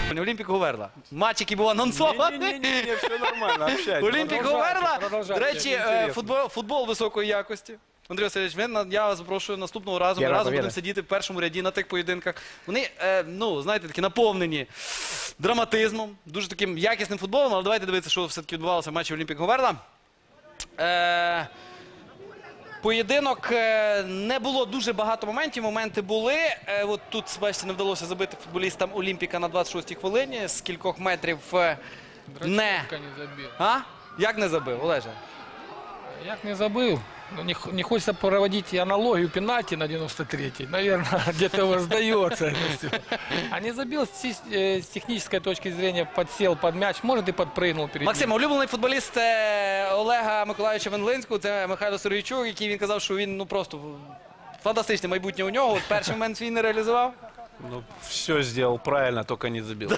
Олімпік Говерла. Матч, який був анонсований. Не, все нормально, общайтесь. Олімпік Говерла. Продовжайте, До речі, інтересно. футбол високої якості. Андрій Васильович, я вас запрошую наступного разу. Ми разом будемо сидіти в першому ряді на тих поєдинках. Вони, ну, знаєте, такі наповнені драматизмом, дуже таким якісним футболом. Але давайте дивитися, що все-таки відбувалося в матчі Олімпік Говерла. Поєдинок, не було дуже багато моментів, моменти були. От тут, бачите, не вдалося забити футболістам Олімпіка на 26-й хвилині. З кількох метрів не... А? Як не забив, Олеже? Як не забив? Не хочется проводить аналогию пенальти на 93-й. Наверное, где-то воздается. А не забил с технической точки зрения, подсел под мяч, может и подпрыгнул перед ним. Максим, улюблений футболіст Олега Миколайовича Венлинського, це Михайло Сергійчук, який він казав, що він просто фантастичне майбутнє у нього. От перший момент він не реалізував. Ну, все сделал правильно, только не забил.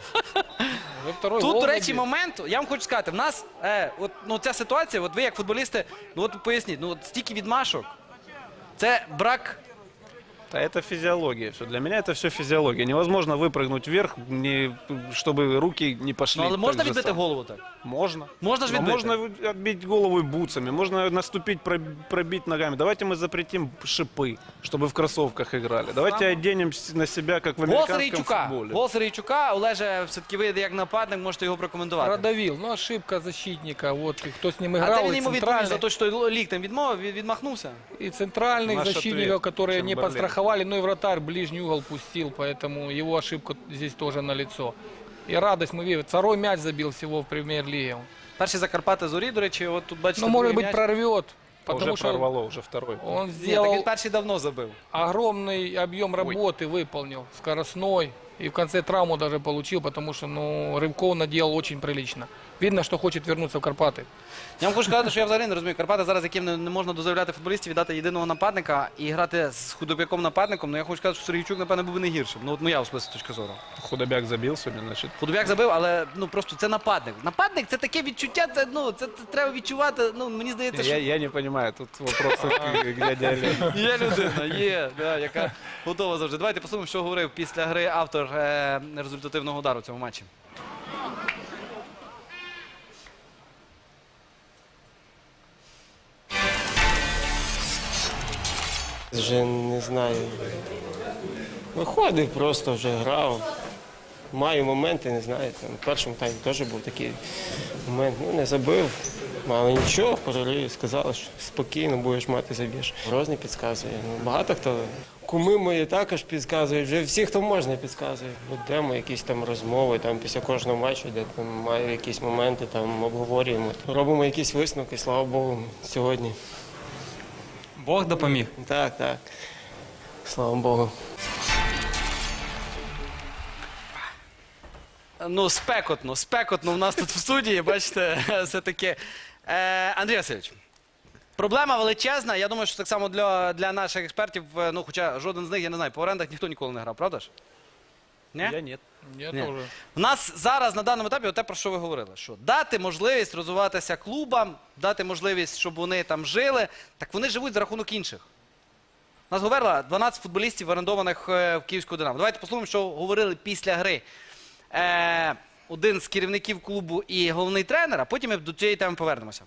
Тут, до речі, момент, я вам хочу сказати, в нас ця ситуація, от ви як футболісти, ну от поясніть, ну от стільки відмашок, це брак... Да, это физиология. Все. Для меня это все физиология. Невозможно выпрыгнуть вверх, чтобы руки не пошли. Ну, але можна відбити голову так? Можно. Можно же відбити? Можно отбить голову и бутсами, можно наступить, пробить ногами. Давайте мы запретим шипы, чтобы в кроссовках играли. Давайте оденем на себя, как в американском футболе. Гол Сергійчука, Олеже, все-таки ви як нападник можете його прокоментувати. Продавил, ну ошибка защитника, вот, кто с ним А играл, це він йому відповів за центральный, те, що ліктем відмахнувся? и центральных Наш защитников, ответ, которые не Чемберлен. подстраховали, ну и вратарь ближний угол пустил, поэтому его ошибка здесь тоже налицо. И радость мы видим, второй мяч забил всего в премьер-лиге. Перший Закарпати Зорі, до речі, от тут бачите... Ну, может другий быть, м'яч. прорвет, Уже потому что прорвало, уже второй. он Ні, так сделал він перший давно забив. огромный объем работы, выполнил, скоростной. И в конце травму даже получил, потому что, ну, рывков наделал очень прилично. Видно, что хочет вернуться в Карпаты. Я вам хочу сказати, що я взагалі не розумію. Карпати зараз, яким не можна дозволяти футболістів віддати єдиного нападника і грати з худобяком нападником. Ну я хочу сказати, що Сергійчук, напевно, був би не гіршим. Ну от моя особиста точка зору. Худобяк забил сегодня, значит. Худобяк забив, але ну просто це нападник. Нападник це таке відчуття, це треба відчувати. Ну мені здається, що Я не понимаю, тут вопросы к дяде Олегу. є людина, яка готова завжди. Давайте послухаємо, що говорив після гри автор результативного удару в цьому матчі. Вже не знаю. Виходив, просто вже грав. Маю моменти, не знаю. Там, в першому таймі теж був такий момент. Ну, не забив, але нічого, перерив, сказали, що спокійно будеш мати, заб'єш. Грозний підказує. Ну, багато хто. Куми мої також підказують, вже всі, хто можна, підказують. Ведемо якісь там розмови там, після кожного матчу, де там маю якісь моменти, там обговорюємо. Робимо якісь висновки, слава Богу, сьогодні. Бог допоміг. Так, так. Слава Богу. Ну, спекотно в нас тут в студії, бачите, все-таки. Андрій Васильович, проблема величезна. Я думаю, що так само для наших експертів, ну, хоча жоден з них, я не знаю, по орендах ніхто ніколи не грав, правда ж? Ні? Я нет. Я Ні. тоже. У нас зараз на даному етапі те, про що ви говорили, що дати можливість розвиватися клубам, дати можливість, щоб вони там жили, так вони живуть за рахунок інших. У нас Говерла 12 футболістів орендованих в Київську Динамо. Давайте послухаємо, що говорили після гри один з керівників клубу і головний тренер, а потім ми до цієї теми повернемося.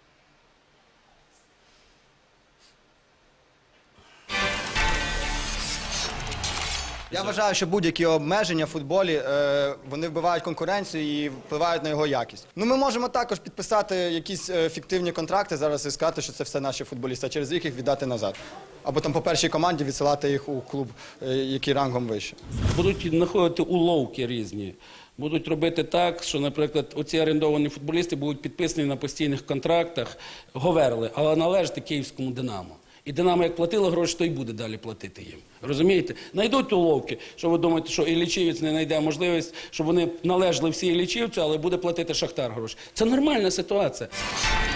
Я вважаю, що будь-які обмеження в футболі, вони вбивають конкуренцію і впливають на його якість. Ну, ми можемо також підписати якісь фіктивні контракти зараз і сказати, що це все наші футболісти, а через рік їх віддати назад. Або там по першій команді відсилати їх у клуб, який рангом вище. Будуть знаходити уловки різні. Будуть робити так, що, наприклад, оці орендовані футболісти будуть підписані на постійних контрактах Говерли, але належати Київському Динамо. І Динамо як платило гроші, то й буде далі платити їм. Розумієте? Найдуть уловки, що ви думаєте, що Іллічівець не знайде можливість, щоб вони належали всі Іллічівцю, але буде платити Шахтар гроші. Це нормальна ситуація.